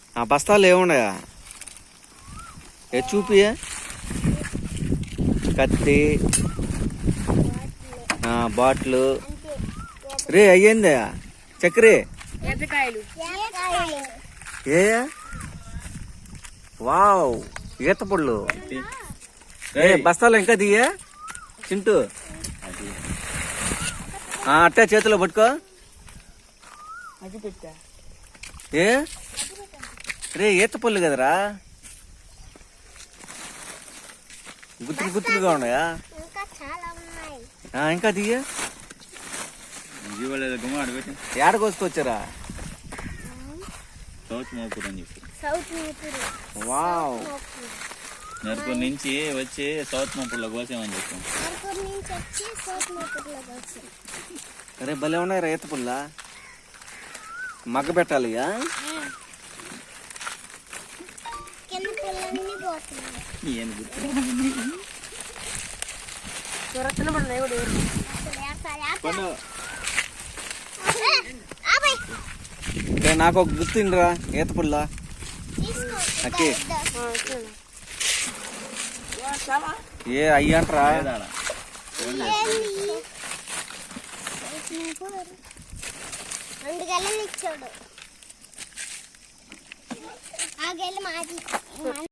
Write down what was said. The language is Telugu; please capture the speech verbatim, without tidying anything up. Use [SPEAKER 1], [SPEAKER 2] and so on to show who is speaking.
[SPEAKER 1] ఆ బస్తాలు ఏమున్నాయా? ఏ చూపి. కత్తి, బాటిల్. రే అయ్యిందా చక్కెరే? ఏ వావ్, ఈత పళ్ళు. బస్తాలు ఇంకా దియ్యా చింటూ? అట్టా చేతిలో పట్టుకో. ఏ రే ఈత పళ్ళు కదరా, గుత్తులు గుత్తులుగా ఉన్నాయా? ఇంకా దియ్య. ఏడ కోసుకొచ్చారా? వావ్,
[SPEAKER 2] నరుపూర్ నుంచి వచ్చి సౌత్ మోపూర్లో కోసామని చెప్పాం.
[SPEAKER 1] అరే భలే ఉన్నాయి రా ఈత పుల్ల. మగ్గ పెట్టాలి. నాకు ఒక గుర్తుండ్రా ఈత పుల్ల. అక్కి ఏ అయ్యంట్రా?
[SPEAKER 3] రెండు గెలలు ఇచ్చాడు. ఆ గెల మాది.